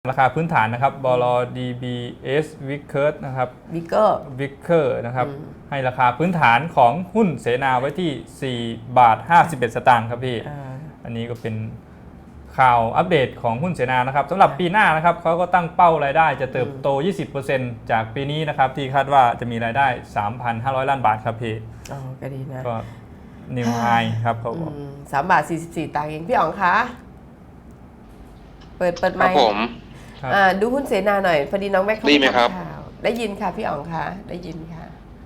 ราคาพื้นฐานนะครับบล DBS Vickers นะครับ Vickers นะครับให้ราคาพื้นฐานของหุ้นเสนาไว้ที่4 บาท 51 สตางค์ครับพี่อันนี้ก็เป็นข่าวอัปเดตของหุ้นเสนานะครับสำหรับปีหน้านะครับเขาก็ตั้งเป้ารายได้จะเติบโต 20% จากปีนี้นะครับที่คาดว่าจะมีรายได้ 3,500 ล้านบาทครับพี่ก็ดีนะก็นิวไฮครับเขาบอก 3 บาท 44 ตังค์เองพี่อ๋องคะเปิดไมค์ดูหุ้นเสนาหน่อยพอดีน้องแม็กเขาทำข่าวได้ยินค่ะพี่อ๋องคะได้ยินค่ะ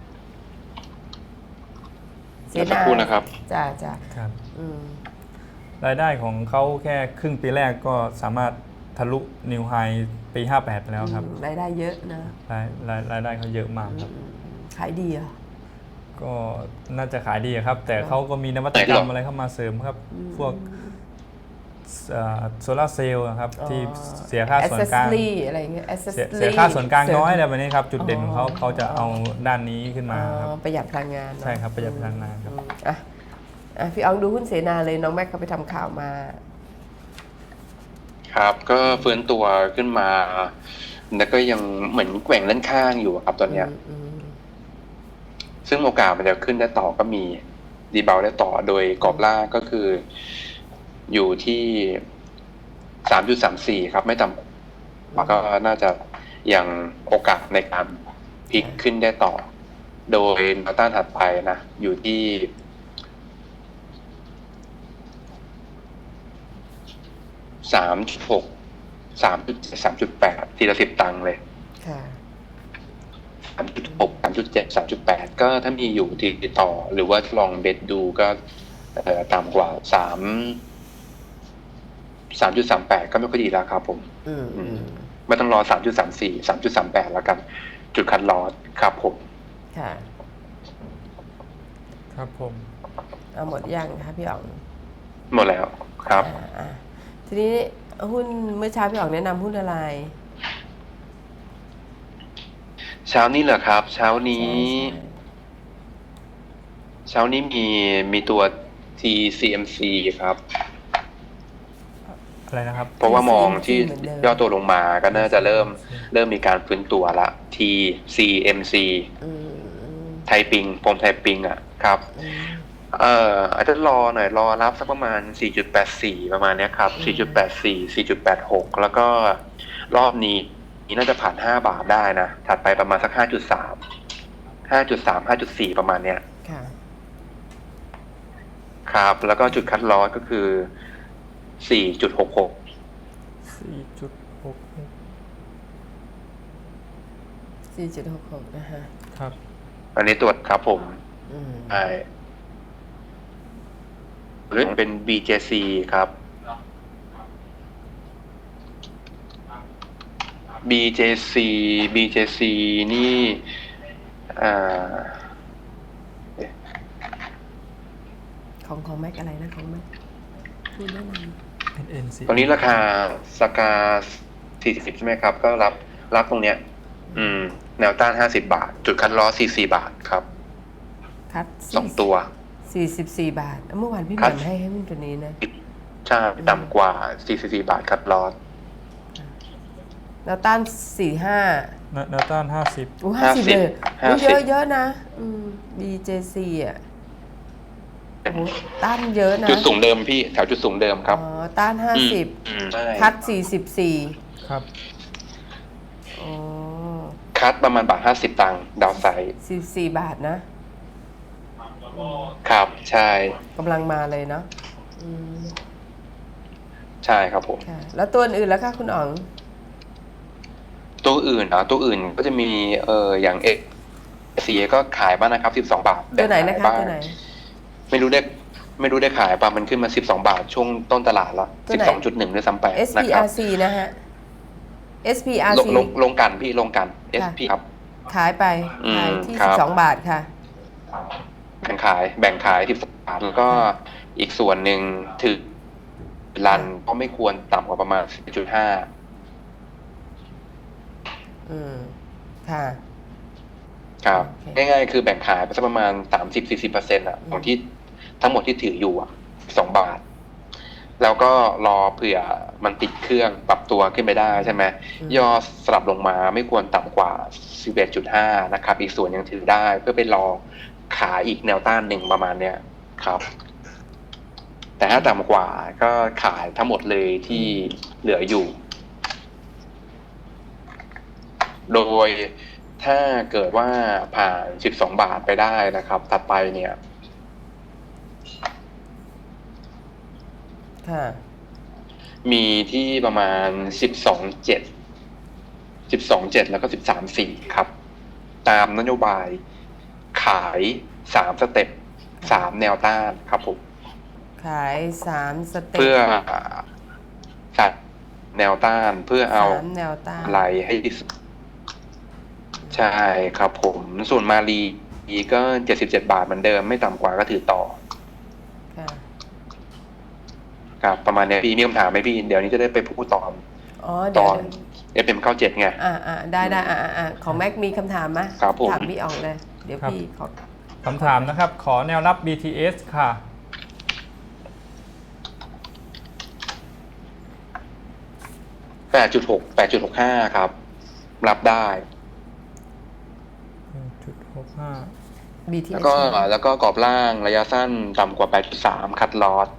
เสนานะครับจ้าครับรายได้ของเขาแค่ครึ่งปีแรกก็สามารถทะลุนิวไฮปี58แล้วครับรายได้เยอะนะรายได้เขาเยอะมากครับขายดีอ่ะก็น่าจะขายดีครับแต่เขาก็มีนวัตกรรมอะไรเข้ามาเสริมครับพวกโซลาร์เซลล์ครับที่เสียค่าส่วนกลางอะไรเงี้ยเสียค่าส่วนกลางน้อยแบบนี้ครับจุดเด่นของเขาจะเอาด้านนี้ขึ้นมาครับประหยัดพลังงานใช่ครับประหยัดพลังงานครับพี่อ๋องดูหุ้นเสนาเลยน้องแม็กเขาไปทำข่าวมาครับก็ฟื้นตัวขึ้นมาแล้วก็ยังเหมือนแกว่งด้านข้างอยู่ครับตอนเนี้ยซึ่งโอกาสมันจะขึ้นได้ต่อก็มีดีเบลได้ต่อโดยกรอบล่างก็คืออยู่ที่ 3.34 ครับไม่ต่ำแล้วก็น่าจะยังโอกาสในการพลิกขึ้นได้ต่อโดยแนวต้านถัดไปนะอยู่ที่3.6 3.7 3.8 ทีละ10 ตังค์เลย3.6 3.7 3.8 ก็ถ้ามีอยู่ติดต่อหรือว่าลองเบสดูก็ต่ำกว่า3.38 ก็ไม่ค่อยดีแล้วครับผมไม่ต้องรอ 3.34 3.38 แล้วกันจุดคัดลอสครับผมครับผมหมดยังคะพี่อ๋องหมดแล้วครับทีนี้หุ้นเมื่อเช้าพี่อ๋องแนะนำหุ้นอะไรเช้านี้เหรอครับเช้านี้มีตัว TCMC ครับอะไรนะครับเพราะว่ามองที่ย่อตัวลงมาก็น่าจะเริ่มมีการฟื้นตัวละ TCMC ไทยปิงผมไทยปิงอ่ะครับอาจจะรอหน่อยรอรับสักประมาณ 4.84 ประมาณนี้ครับ 4.84 4.86 แล้วก็รอบนี้น่าจะผ่าน5 บาทได้นะถัดไปประมาณสัก 5.3 5.4 ประมาณเนี้ยครับแล้วก็จุดคัดลอสก็คือ 4.66 4.66 นะฮะครับอันนี้ตรวจครับผมใช่หรือเป็น BJC ครับ BJC นี่ของแม็กอะไรนะของแม็กพูดได้ไหมตอนนี้ราคาสกา40ใช่ไหมครับก็รับตรงเนี้ยแนวต้าน50 บาทจุดคัดลอส44 บาทครับคัด 2 ตัว 44 บาทเมื่อวานพี่หม่ำให้หุ้นตัวนี้นะใช่ต่ำกว่า44 บาทคัดลอสแนวต้าน45 แนวต้าน50 50เลยเยอะนะBJC อ่ะต้านเยอะนะจุดสูงเดิมพี่แถวจุดสูงเดิมครับต้าน50คัด44 ครับคัดประมาณ1.50 บาทดาวไซด์ 44 บาทนะครับใช่กำลังมาเลยเนาะใช่ครับผมแล้วตัวอื่นแล้วค่ะคุณอ๋องตัวอื่นตัวอื่นก็จะมีอย่างเสียก็ขายบ้างนะครับ12 บาทตัวไหนนะคะตัวไหนไม่รู้ได้ขายป่ะมันขึ้นมา12 บาทช่วงต้นตลาดละ12.1ด้วยซ้ำไปนะครับ SPRC นะฮะ SPRC ลงกันพี่ลงกัน SP ครับขายไปขายที่12 บาทค่ะแบ่งขาย12 บาทแล้วก็อีกส่วนหนึ่งถือรันก็ไม่ควรต่ำกว่าประมาณ 4.5 ค่ะครับง่ายๆคือแบ่งขายไปสักประมาณ 30-40% ของที่ทั้งหมดที่ถืออยู่2 บาทแล้วก็รอเผื่อมันติดเครื่องปรับตัวขึ้นไปได้ใช่ไหมย่อสลับลงมาไม่ควรต่ำกว่า 11.5 นะครับอีกส่วนยังถือได้เพื่อไปรอขาอีกแนวต้านหนึ่งประมาณเนี้ยครับแต่ถ้าต่ำกว่าก็ขายทั้งหมดเลยที่เหลืออยู่โดยถ้าเกิดว่าผ่าน12 บาทไปได้นะครับถัดไปเนี่ยมีที่ประมาณ12.7แล้วก็13.4ครับตามนโยบายขาย3 สเต็ป3 แนวต้านครับผมขาย3 สเต็ปเพื่อจัดแนวต้านเพื่อเอาแนวต้านไหลให้ใช่ครับผมส่วนมาลีก็77 บาทเหมือนเดิมไม่ต่ำกว่าก็ถือต่อครับประมาณนี้พี่มีคำถามไหมพี่เดี๋ยวนี้จะได้ไปพูดตอนFM97 ไงได้ของแม็กมีคำถามไหมถามพี่ออกเลยเดี๋ยวพี่ขอคำถามนะครับขอแนวรับ BTS ค่ะ 8.65 ครับรับได้ 8.65 BTS แล้วก็กรอบล่างระยะสั้นต่ำกว่า 8.3 คัดลอส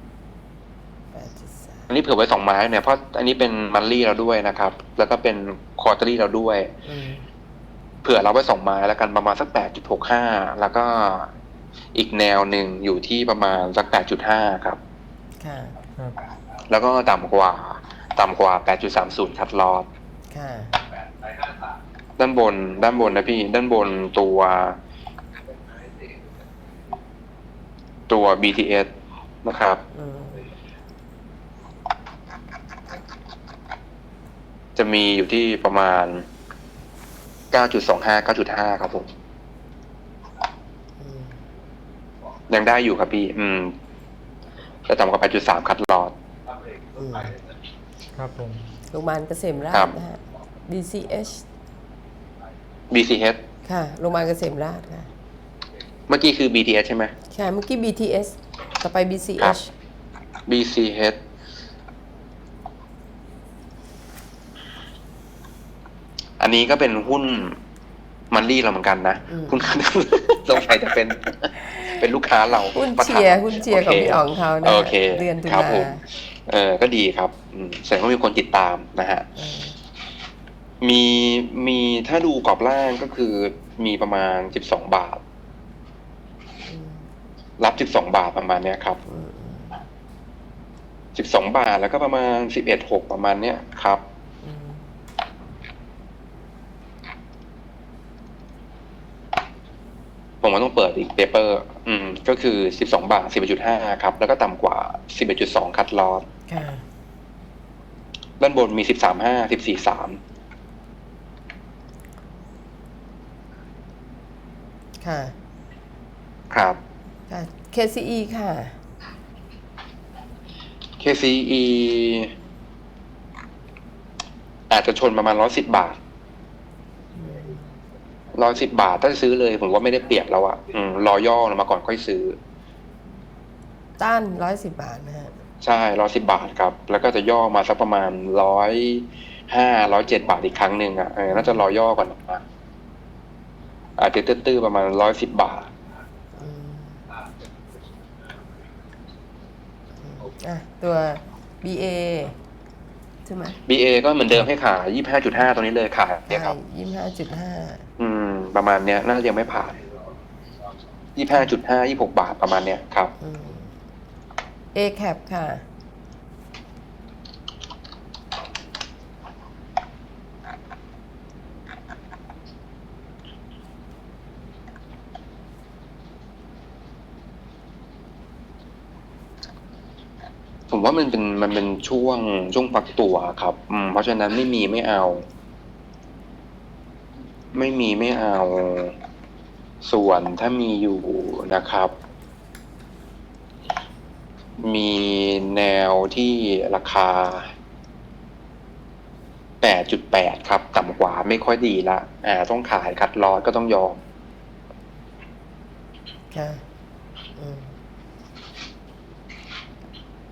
อันนี้เผื่อไว้2 ไม้เนี่ยเพราะอันนี้เป็นมันลี่เราด้วยนะครับแล้วก็เป็นควอเตอรี่เราด้วยเผื่อเราไว้2 ไม้แล้วกันประมาณสัก 8.65 แล้วก็อีกแนวหนึ่งอยู่ที่ประมาณสัก 8.5 ครับแล้วก็ต่ำกว่า 8.30 คัดลอสด้านบนนะพี่ด้านบนตัว BTS นะครับจะมีอยู่ที่ประมาณ 9.25 9.5 ครับผมยังได้อยู่ครับพี่จะต่ำกว่า 8.3 คัดลอสครับผมโรงพยาบาลเกษมราษฎร์นะฮะ BCH ค่ะโรงพยาบาลเกษมราษฎร์ค่ะเมื่อกี้คือ BTS ใช่ไหมใช่เมื่อกี้ BTS ต่อไป BCH BCH อันนี้ก็เป็นหุ้นมันลี่เราเหมือนกันนะหุ้นสงสัยจะเป็นลูกค้าเราหุ้นเชียร์ของพี่อ๋องเขานะเดือนตุลาก็ดีครับแสดงว่ามีคนติดตามนะฮะมีถ้าดูกรอบล่างก็คือมีประมาณ12 บาทรับ12 บาทประมาณเนี้ยครับ12 บาทแล้วก็ประมาณ11.6ประมาณเนี้ยครับผมว่าต้องเปิดอีกเปเปอร์ก็คือ12 บาท 11.5 ครับแล้วก็ต่ำกว่า 11.2 คัดลอสด้านบนมี 13.5 14.3 ค่ะครับ KCE ค่ะ KCE อาจจะชนประมาณ110 บาท110 บาทถ้าซื้อเลยผมว่าไม่ได้เปรียบแล้วอะรอย่อลงมาก่อนค่อยซื้อต้าน110 บาทนะฮะใช่110 บาทครับแล้วก็จะย่อมาสักประมาณ105 107 บาทอีกครั้งหนึ่งอะน่าจะรอย่อก่อนนะอาจจะตื้อๆประมาณ110 บาทตัว BA ใช่ไหม BA ก็เหมือนเดิมให้ขาย 25.5 ตรงนี้เลยขายเนี่ยครับ 25.5 ประมาณเนี้ยน่าจะยังไม่ผ่าน 25.5 26 บาทประมาณเนี้ยครับ ACAP ค่ะผมว่ามันเป็นช่วงฟักตัวครับเพราะฉะนั้นไม่มีไม่เอาส่วนถ้ามีอยู่นะครับมีแนวที่ราคา 8.8 ครับต่ำกว่าไม่ค่อยดีละต้องขายคัดลอสก็ต้องยอม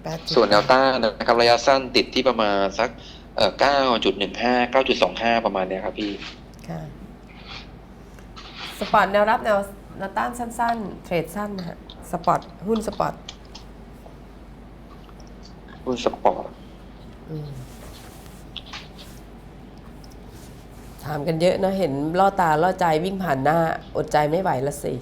ส่วนแนวต้านนะครับระยะสั้นติดที่ประมาณสัก9.15 9.25 ประมาณเนี้ยครับพี่ค่ะสปอร์ตแนวรับแนวต้านสั้นๆเทรดสั้นนะฮะสปอร์ตหุ้นสปอร์ตหุ้นสปอร์ตถามกันเยอะนะเห็นล่อตาล่อใจวิ่งผ่านหน้าอดใจไม่ไหวละสิ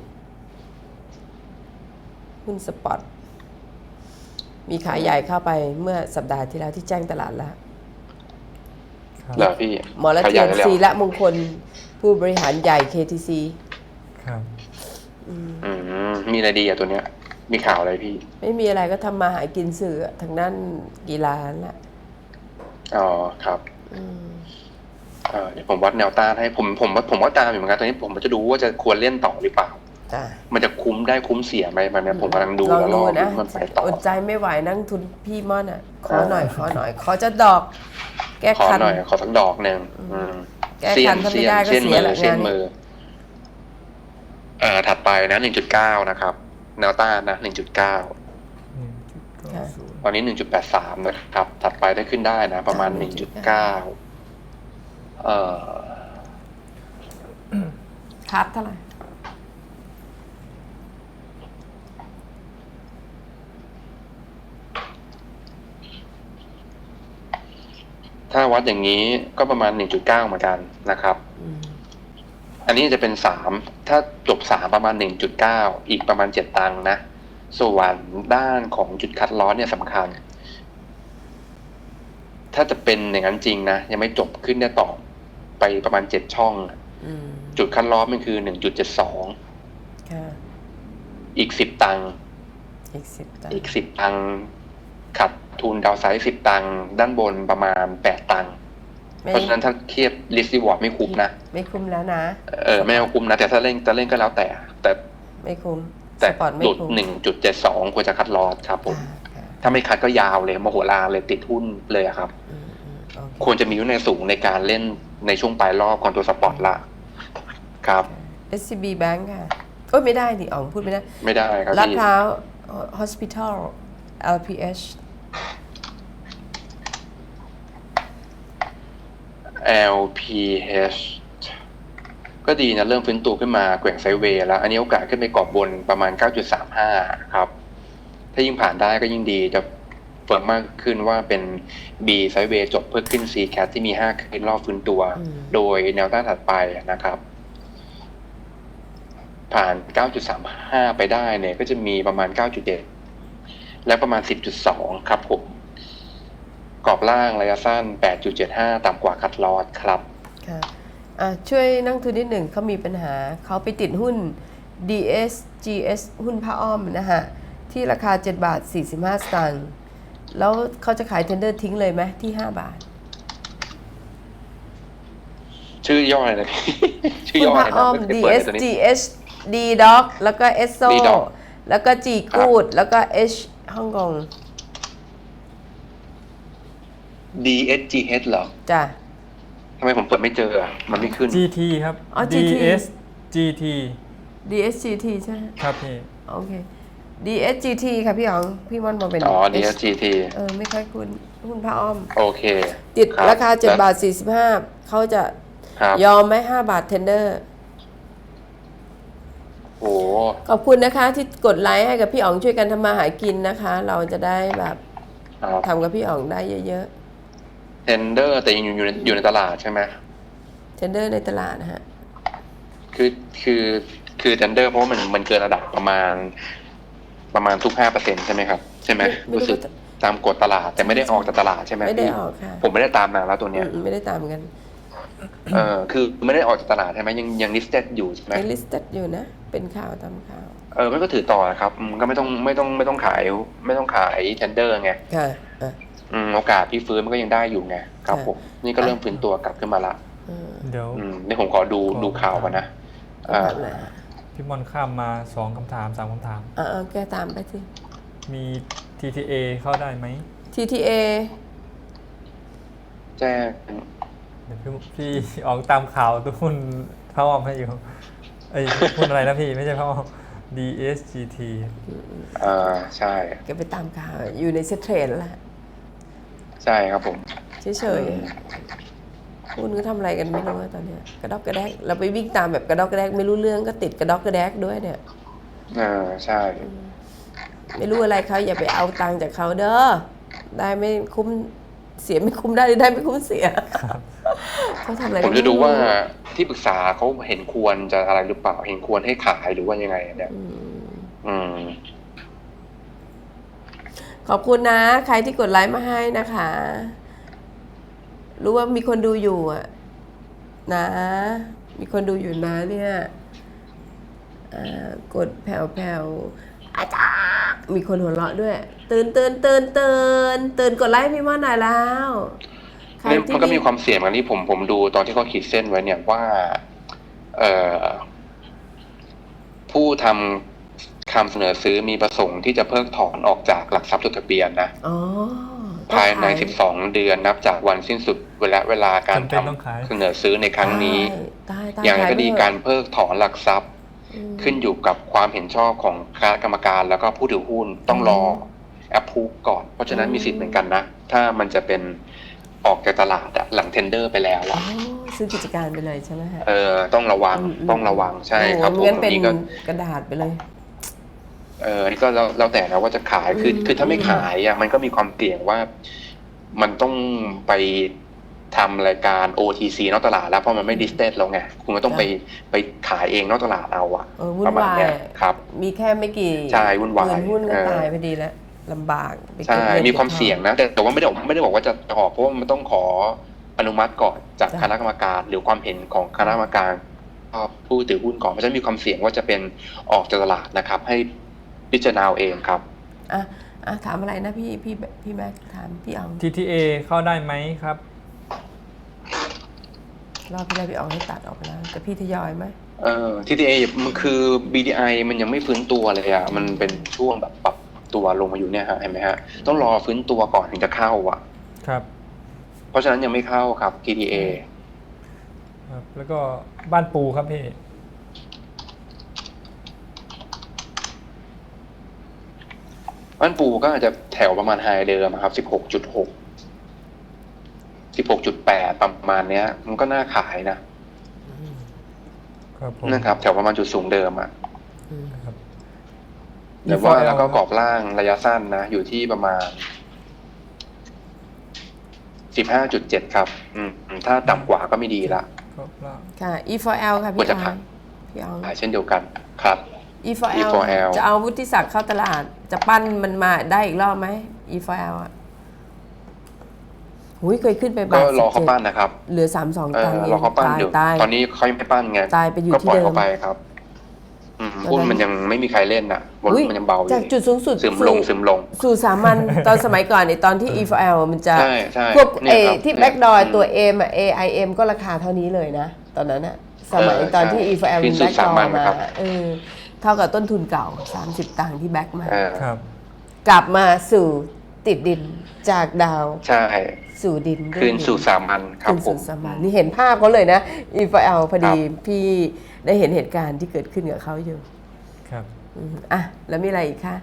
หุ้นสปอร์ตมีขายใหญ่เข้าไปเมื่อสัปดาห์ที่แล้วที่แจ้งตลาดแล้วเหรอพี่หมอละเทียนศิระมงคลผู้บริหารใหญ่ KTC ครับมีอะไรดีอะตัวเนี้ย มีข่าวอะไรพี่ไม่มีอะไรก็ทำมาหากินสื่อทางด้านกีฬาแหละอ๋อครับเดี๋ยวผมวัดแนวต้านให้ผมว่าตามอยู่เหมือนกันตอนนี้ผมจะดูว่าจะควรเล่นต่อหรือเปล่า มันจะคุ้มได้คุ้มเสียไหมมันเนี่ยผมกำลังดูแล้วรอดูมันไปต่ออดใจไม่ไหวนั่งทุนพี่ม่อนอ่ะขอหน่อยขอจะดอก แก้ขอคันหน่อยขอสักดอกหนึ่งแก้คันถ้าไม่ได้ก็เสียละงานมือถัดไปนะ 1.9 นะครับแนวต้านนะ 1.9 ตอนนี้ 1.83 นะครับถัดไปได้ขึ้นได้นะประมาณ 1.9 คัดเท่าไหร่ถ้าวัดอย่างนี้ก็ประมาณ 1.9 เหมือนกันนะครับอันนี้จะเป็น3ถ้าจบ3ประมาณ 1.9 อีกประมาณ7ตังค์นะส่วนด้านของจุดคัดลอสเนี่ยสำคัญถ้าจะเป็นอย่างนั้นจริงนะยังไม่จบขึ้นได้ต่อไปประมาณ7ช่องจุดคัดลอสมันคือ 1.72 อีก10ตังค์อีก10ตังค์ขัดทุนดาวไซด์10ตังค์ด้านบนประมาณ8ตังค์เพราะฉะนั้นถ้าเทียบ risk reward ไม่คุ้มนะไม่คุ้มแล้วนะไม่เอาคุ้มนะแต่ถ้าเล่นจะเล่นก็แล้วแต่ไม่คุ้มแต่หลุด 1.72 ควรจะคัดลอสครับผมถ้าไม่คัดก็ยาวเลยมโหฬารเลยติดหุ้นเลยครับควรจะมีวินัยสูงในการเล่นในช่วงปลายรอบก่อนตัวสปอร์ตละครับ SCB Bank ค่ะโอ้ยไม่ได้ดิอ๋องพูดไม่ได้ครับลาดพร้าว Hospital LPH LPH ก็ดีนะเริ่มฟื้นตัวขึ้นมาแกว่งไซด์เวย์แล้วอันนี้โอกาสขึ้นไปกรอบบนประมาณ 9.35 ครับถ้ายิ่งผ่านได้ก็ยิ่งดีจะเฟิร์มมากขึ้นว่าเป็น B ไซด์เวย์จบเพื่อขึ้น C cat ที่มี5ขึ้นรอบฟื้นตัวโดยแนวต้านถัดไปนะครับผ่าน 9.35 ไปได้เนี่ยก็จะมีประมาณ 9.7 และประมาณ 10.2 ครับผมกรอบล่างระยะสั้น 8.75 ต่ำกว่าคัดลอสครับค่ะช่วยนั่งทุนนิดหนึ่งเขามีปัญหาเขาไปติดหุ้น DSGS หุ้นผ้าอ้อมนะฮะที่ราคา7.45 บาทแล้วเขาจะขายเทนเดอร์ทิ้งเลยไหมที่5 บาทชื่อย่ออะไรนะชื่อย่ออะไรนะ DSGS D Dog แล้วก็ ESSO แล้วก็ G Good แล้วก็ H ฮ่องกง DSGH เหรอจ้ะทำไมผมเปิดไม่เจอมันไม่ขึ้น GT ครับ DSGT DSGT ใช่ไหมครับพี่โอเค DSGT ค่ะพี่อ๋องพี่ม่อนบอกเป็น DSGT ไม่ค่อยคุ้นหุ้นผ้าอ้อมโอเคติดราคา7.45 บาทเขาจะยอมไหม5 บาทเทนเดอร์โอ้ขอบคุณนะคะที่กดไลค์ให้กับพี่อ๋องช่วยกันทำมาหากินนะคะเราจะได้แบบทำกับพี่อ๋องได้เยอะๆเทนเดอร์แต่ยังอยู่ในตลาดใช่ไหมเทนเดอร์ในตลาดนะฮะคือเทนเดอร์เพราะมันเกินระดับประมาณทุก 5% ใช่ไหมครับใช่ไหมรู้สึกตามกฎตลาดแต่ไม่ได้ออกจากตลาดใช่ไหมไม่ได้ออกค่ะผมไม่ได้ตามนานแล้วตัวเนี้ยไม่ได้ตามกันคือไม่ได้ออกจากตลาดใช่ไหมยัง listed อยู่ใช่ไหม listed อยู่นะเป็นข่าวตามข่าวไม่ก็ถือต่อครับก็ไม่ต้องขายเทนเดอร์ไงค่ะโอกาสพี่ฟื้นมันก็ยังได้อยู่ไงครับผมนี่ก็เริ่มฟื้นตัวกลับขึ้นมาละเดี๋ยวนี่ผมขอดูข่าวก่อนนะพี่มอนข้ามมา2 คำถาม 3 คำถามแกตามไปสิมี TTA เข้าได้ไหม TTA แจ้งเดี๋ยวพี่ออกตามข่าวทุกคนพ่ออ้อมให้อยู่หุ้นอะไรนะพี่ไม่ใช่พ่ออ้อม DSGT ใช่แกไปตามข่าวอยู่ในเซ็ตเทรดแล้วแหละใช่ครับผมเฉยๆคุณก็ทำอะไรกันไม่รู้ตอนเนี้ยกระดอกกระแดกเราไปวิ่งตามแบบกระดอกกระแดกไม่รู้เรื่องก็ติดกระดอกกระแดกด้วยเนี่ยใช่ไม่รู้อะไรเขาอย่าไปเอาตังค์จากเขาเด้อได้ไม่คุ้มเสียไม่คุ้มได้หรือได้ไม่คุ้มเสียเขาทำอะไรผมจะดูว่าที่ปรึกษาเขาเห็นควรจะอะไรหรือเปล่าเห็นควรให้ขายหรือว่ายังไงเนี่ยขอบคุณนะใครที่กดไลค์มาให้นะคะ รู้ว่ามีคนดูอยู่อ่ะนะมีคนดูอยู่นะเนี่ยกดแผ่วๆอาจารย์มีคนหัวเราะด้วยตื่นกดไลค์พี่ม่อนหน่อยแล้วมันก็มีความเสี่ยงกันที่ผมดูตอนที่เขาขีดเส้นไว้เนี่ยว่าผู้ทำคำเสนอซื้อมีประสงค์ที่จะเพิกถอนออกจากหลักทรัพย์จดทะเบียนนะภายใน12 เดือนนับจากวันสิ้นสุดเวลาการทำเสนอซื้อในครั้งนี้อย่างไรก็ดีการเพิกถอนหลักทรัพย์ขึ้นอยู่กับความเห็นชอบของคณะกรรมการแล้วก็ผู้ถือหุ้นต้องรอแอปพูฟก่อนเพราะฉะนั้นมีสิทธิ์เหมือนกันนะถ้ามันจะเป็นออกจากตลาดหลังเทนเดอร์ไปแล้วซื้อกิจการไปเลยใช่ไหมฮะต้องระวังใช่ครับผมงั้นเป็นกระดาษไปเลยนี่ก็แล้วแต่นะว่าจะขายคือถ้าไม่ขายมันก็มีความเสี่ยงว่ามันต้องไปทำรายการ OTC นอกตลาดแล้วเพราะมันไม่ดิสเทสแล้วไงคุณก็ต้องไปขายเองนอกตลาดเอาประมาณนี้ครับมีแค่ไม่กี่ใช่วุ่นวายหุ้นก็ตายพอดีแล้วลำบากใช่มีความเสี่ยงนะแต่ว่าไม่ได้บอกว่าจะออกเพราะว่ามันต้องขออนุมัติก่อนจากคณะกรรมการหรือความเห็นของคณะกรรมการผู้ถือหุ้นก่อนเพราะฉะนั้นมีความเสี่ยงว่าจะเป็นออกจากตลาดนะครับให้พิจารณาเองครับถามอะไรนะพี่แม็กถามพี่อ๋อง TTA เข้าได้ไหมครับรอบพี่ได้พี่อ๋องให้ตัดออกไปแล้วแต่พี่ทยอยไหม TTA มันคือ BDI มันยังไม่ฟื้นตัวเลยมันเป็นช่วงแบบปรับตัวลงมาอยู่เนี่ยฮะเห็นไหมฮะต้องรอฟื้นตัวก่อนถึงจะเข้าครับเพราะฉะนั้นยังไม่เข้าครับ TTA ครับแล้วก็บ้านปูครับพี่บ้านปูก็อาจจะแถวประมาณไฮเดิมครับ 16.6 16.8 ประมาณเนี้ยมันก็น่าขายนะครับแถวประมาณจุดสูงเดิมแต่ว่าแล้วก็กรอบล่างระยะสั้นนะอยู่ที่ประมาณ 15.7 ครับถ้าต่ำกว่าก็ไม่ดีละค่ะ E4L ค่ะพี่อ๋องเช่นเดียวกันครับ E4L จะเอาวุฒิศักดิ์เข้าตลาดจะปั้นมันมาได้อีกรอบไหม E4L เคยขึ้นไปก็รอเขาปั้นนะครับเหลือ32 ตังค์รอเขาปั้นอยู่ตอนนี้เขายังไม่ปั้นไงตายไปอยู่ที่เดิมก็ปล่อยเขาไปครับหุ้นมันยังไม่มีใครเล่นมันยังเบาอยู่จากจุดสูงสุดซึมลงสู่สามัญตอนสมัยก่อนตอนที่ E4L มันจะพวกที่แบ็กดอร์ตัว M AIM ก็ราคาเท่านี้เลยนะตอนนั้นสมัยตอนที่ E4L มันแบ็กดอร์มาเท่ากับต้นทุนเก่า30 ตังค์ที่แบ็กมากลับมาสู่ติดดินจากดาวใช่สู่ดินคืนสู่สามัญครับผมนี่เห็นภาพเขาเลยนะ E4L พอดีพี่ได้เห็นเหตุการณ์ที่เกิดขึ้นกับเขาอยู่ครับแล้วมีอะไรอีกคะ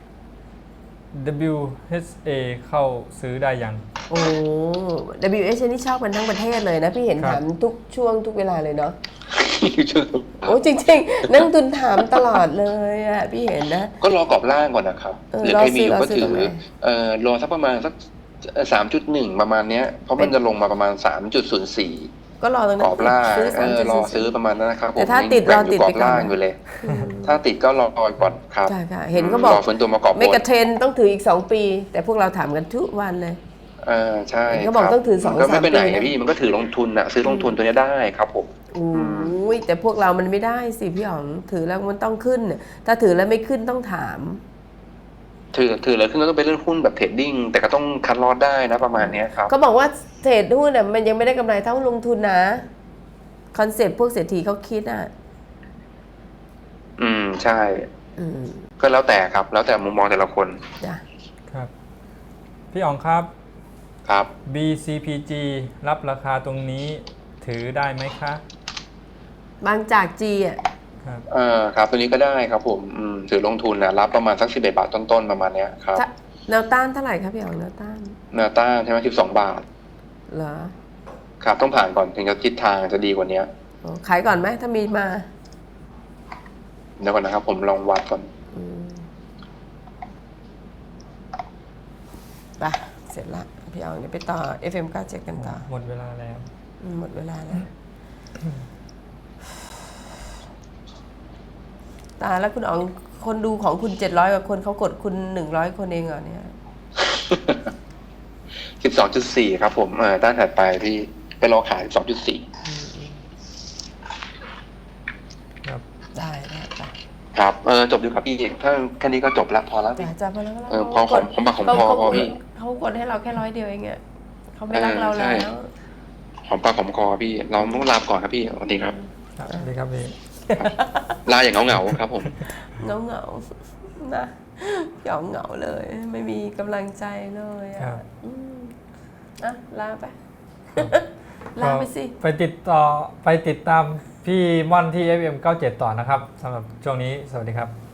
WHA เข้าซื้อได้ยัง WHA นี่ชอบกันทั้งประเทศเลยนะพี่เห็นถามทุกช่วงทุกเวลาเลยเนาะจริงๆนักทุนถามตลอดเลยพี่เห็นนะก็รอกรอบล่างก่อนนะครับหรือใครมีอยู่ก็ถือรอสักประมาณสัก 3.1 ประมาณเนี้ยเพราะมันจะลงมาประมาณ 3.04 ก็รอตรงนั้นกรอบล่างรอซื้อประมาณนั้นนะครับแต่ถ้าติดรอติดกรอบล่างอยู่เลยถ้าติดก็รอก่อนครับเห็นเขาบอกฟื้นตัวมากรอบบนเมกะเทรนต้องถืออีก2 ปีแต่พวกเราถามกันทุกวันเลยใช่เขาบอกต้องถือ 2-3 ปีก็ไม่ไปไหนพี่มันก็ถือลงทุนซื้อลงทุนตัวนี้ได้ครับผมแต่พวกเรามันไม่ได้สิพี่อ๋องถือแล้วมันต้องขึ้นถ้าถือแล้วไม่ขึ้นต้องถามถือแล้วขึ้นก็ต้องไปเล่นหุ้นแบบเทรดดิ้งแต่ก็ต้องคัดลอตได้นะประมาณนี้ครับเขาบอกว่าเทรดหุ้นมันยังไม่ได้กำไรเท่าลงทุนนะคอนเซ็ปต์พวกเศรษฐีเขาคิดใช่ก็แล้วแต่ครับแล้วแต่มุมมองแต่ละคนครับพี่อ๋องครับครับ BCPG รับราคาตรงนี้ถือได้ไหมคะบางจาก G ครับตัวนี้ก็ได้ครับผมถือลงทุนนะรับประมาณสัก11 บาทต้นๆประมาณเนี้ยครับแนวต้านเท่าไหร่ครับพี่อ๋องแนวต้านใช่ไหม12 บาทเหรอครับต้องผ่านก่อนถึงจะทิศทางจะดีกว่านี้ขายก่อนไหมถ้ามีมาเดี๋ยวก่อนนะครับผมลองวัดก่อนไปเสร็จละพี่อ๋องเดี๋ยวไปต่อ FM97 กันต่อหมดเวลาแล้วหมดเวลาแล้วตาแล้วคุณอ๋องคนดูของคุณ700กว่าคนเขากดคุณ100คนเองเหรอเนี่ย 12.4 ครับผมด้านถัดไปพี่ไปรอขาย 12.4 ครับได้ครับจบดีครับพี่ถ้าแค่นี้ก็จบละพอแล้วพี่จะพอแล้วพอของปากของคอพี่เขากดให้เราแค่100เดียวเองอะเขาไม่รักเราแล้วหอมปากหอมคอพี่เราต้องลาก่อนครับพี่สวัสดีครับสวัสดีครับพี่ลาอย่างเหงาครับผมเหงานะเหงาเลยไม่มีกำลังใจเลยอ่ะลาไปลาไปสิไปติดตามพี่ม่อนที่ FM97 ต่อนะครับสำหรับช่วงนี้สวัสดีครับ